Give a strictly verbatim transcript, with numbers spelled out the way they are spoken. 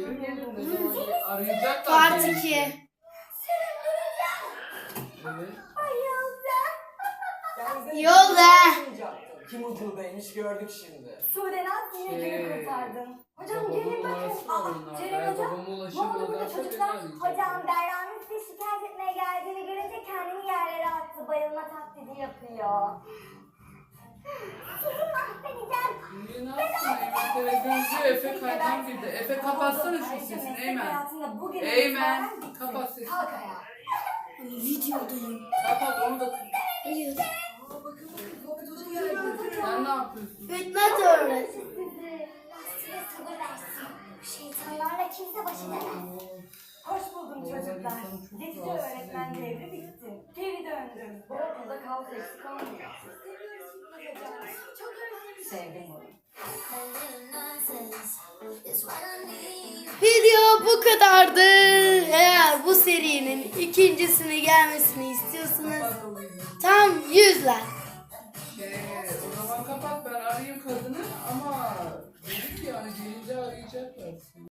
geri gelir ne zaman arayacaklar. Part beni iki. işte. Evet. Yolda. Kim ucubeymiş gördük şimdi. Sudenaz yine Şey, günü kurtardın. Hocam babamın gelin bakın. numarası var Aa, onlarda. Ceren Eğer hocam. babama Ne oldu ulaşamadan burada beni çocuklar? arayacak. Hocam Berra'nın size şikayet etmeye geldiğini görünce kendini yerlere attı. Bayılma taklidi yapıyor. Sizi mahvedeceğim. Niye ne yapsın Eymen televizyoncu Efe kaydan girdi. Efe kapatsana şu sesini Eymen. Eymen kapat sesini. Kalk ayağa. Videodayım. Kapat onu da. Hayır. Sen ne yapıyorsun? Bitmez öyle. Sizi. Size sabır versin. Şeytanlarla kimse baş edemez. Hoş buldum çocuklar. Geçici öğretmen devri bitti. Geri döndüm. Bu okulda kalk eksik olmuyor. Çok özledim. Sevdim bunu. Video bu kadardı. Eğer bu serinin ikincisini gelmesini istiyorsanız tam yüz like. Şey, o zaman kapat ben arayayım kadını ama dedik yani gelince arayacaklar.